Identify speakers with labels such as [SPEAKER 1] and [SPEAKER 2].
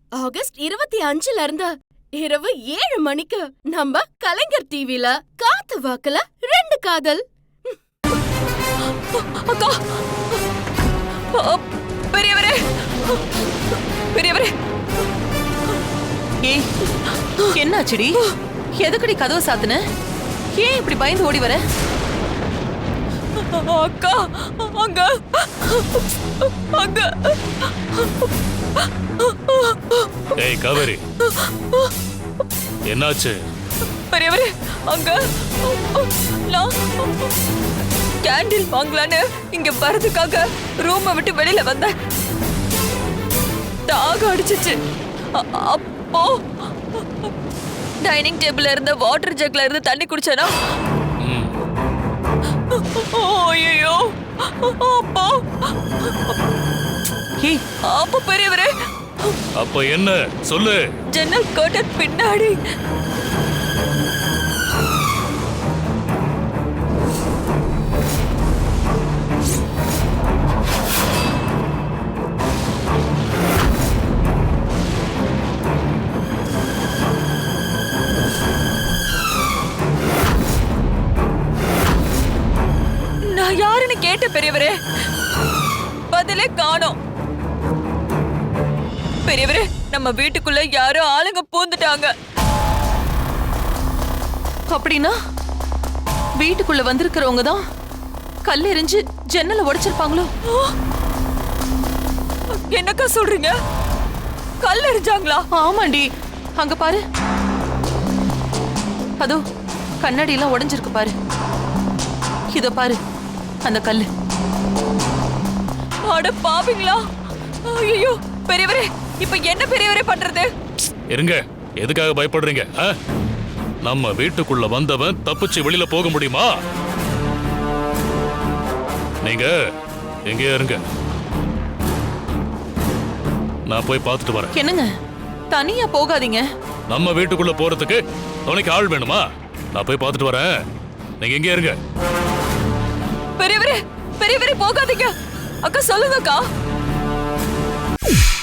[SPEAKER 1] August 25ல இருந்து இரவு 7 மணிக்கு நம்ம கலைஞர் டிவில காத்து வாக்குல 2 காதல்.
[SPEAKER 2] அக்கா, பெரியவரே பெரியவரே, ஏய் என்னாச்சுடி? எதுக்குடி கதவு சாத்துன? ஏன் இப்படி பயந்து ஓடி வர? அக்கா, அங்க அங்க.
[SPEAKER 3] ஏய் காவேரி, என்னாச்சு?
[SPEAKER 2] பெரியவரே, அங்க நான் கேண்டில் வாங்கலான்னு இங்க வரதுக்காக ரூமை விட்டு வெளியில வந்தேன். தாக அடிச்சிச்சு. அப்போ டைனிங் டேபிள்ல இருந்த வாட்டர் ஜக்ல இருந்து தண்ணி குடிச்சேனா? ஐயோ, அப்போ பெரியவரே.
[SPEAKER 3] அப்ப என்ன சொல்லு?
[SPEAKER 2] ஜன்னல் கர்டன் பின்னாடி நான் யாருன்னு கேட்ட பெரியவரே, பதிலே காணோம். பெரியவரே, நம்ம வீட்டுக்குள்ள யாரோ ஆளுங்க பூந்துட்டாங்க. அப்படின்னா வீட்டுக்குள்ள வந்திருக்கிறவங்க தான் கல் எறிஞ்சு ஜன்னலை உடைச்சிருப்பாங்களோ? என்னக்கா சொல்றீங்க? கல் எறிஞ்சாங்களா? ஆமாண்டி, அங்க பாரு, அதோ கண்ணாடி எல்லாம் உடைஞ்சிருக்கு பாரு. இதோ பாரு அந்த கல்லு. அட பாவிங்களா! ஐயோ பெரியவரே, இப்ப என்ன பெரியவரே பண்றது?
[SPEAKER 3] இருங்க, எதுக்காக பயப்படுறீங்க? நம்ம வீட்டுக்குள்ள வந்தவன் தப்பிச்சு வெளியில போக முடியுமா? நீங்க எங்கே இருங்க, நான் போய் பார்த்துட்டு வரேன்.
[SPEAKER 2] என்னங்க, தனியா போகாதீங்க.
[SPEAKER 3] நம்ம வீட்டுக்குள்ள போறதுக்கு துணைக்கு ஆள் வேணுமா? நான் போய் பார்த்துட்டு வரேன், நீங்க எங்கே இருங்க.
[SPEAKER 2] பெரியவரே பெரியவரே, போகாதீங்க. அக்கா சொல்லுங்க அக்கா.